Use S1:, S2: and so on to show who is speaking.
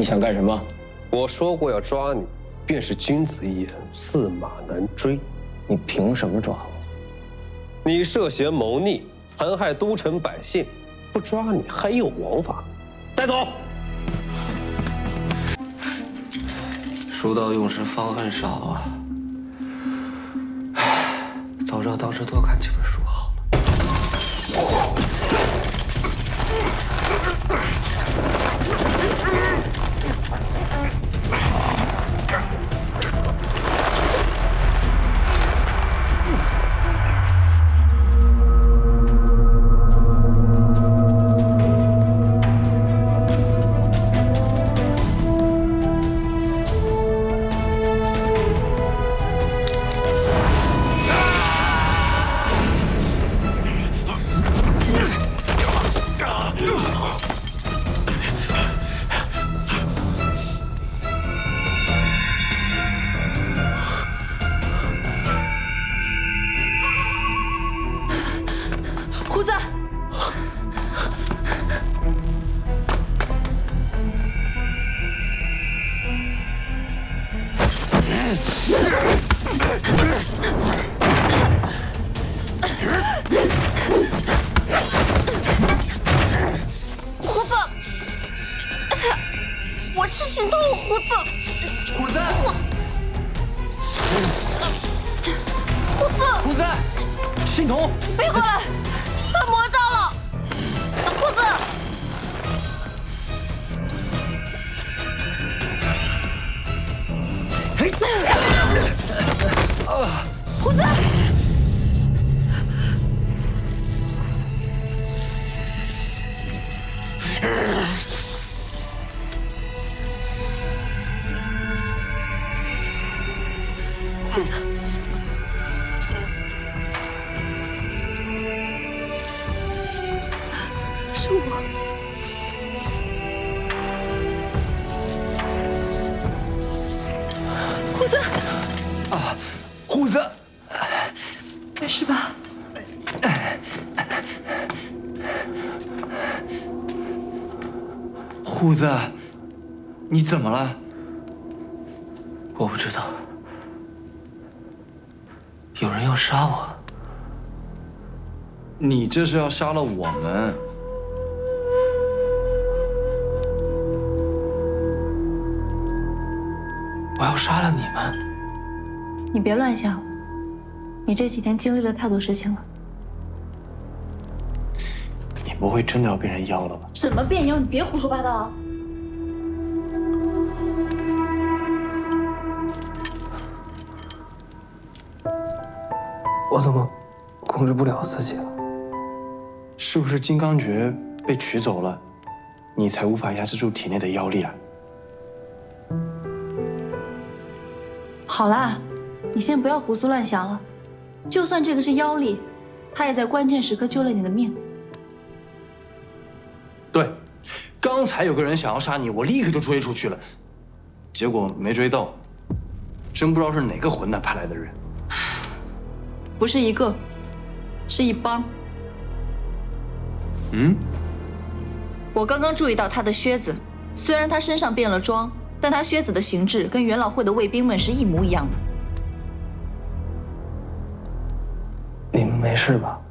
S1: 你想干什么？
S2: 我说过要抓你，便是君子一言，驷马难追。
S1: 你凭什么抓我？
S2: 你涉嫌谋逆，残害都城百姓，不抓你还有王法。带走。
S3: 书到用时方恨少啊！早知道当时多看几本书好了。
S4: 胡子，胡子，我是心痛，胡子，
S3: 虎子，
S4: 胡子，
S3: 虎子，欣桐，
S4: 别过来，他魔障了，胡子。胡子，是我。胡子，
S3: 啊，虎子，
S4: 没事吧？
S3: 虎子，你怎么了？我不知道，有人要杀我。
S5: 你这是要杀了我们？
S3: 我要杀了你们。
S4: 你别乱想，你这几天经历了太多事情了。
S5: 你不会真的要变成妖了吧？
S4: 怎么变妖？你别胡说八道啊！
S3: 我怎么控制不了自己了？
S5: 是不是金刚诀被取走了，你才无法压制住体内的妖力啊？
S4: 好啦，你先不要胡思乱想了。就算这个是妖力，他也在关键时刻救了你的命。
S5: 对，刚才有个人想要杀你，我立刻就追出去了，结果没追到，真不知道是哪个混蛋派来的人。
S4: 不是一个，是一帮。
S5: 嗯？
S4: 我刚刚注意到他的靴子，虽然他身上变了装，但他靴子的形制跟元老会的卫兵们是一模一样的。
S3: 你们没事吧？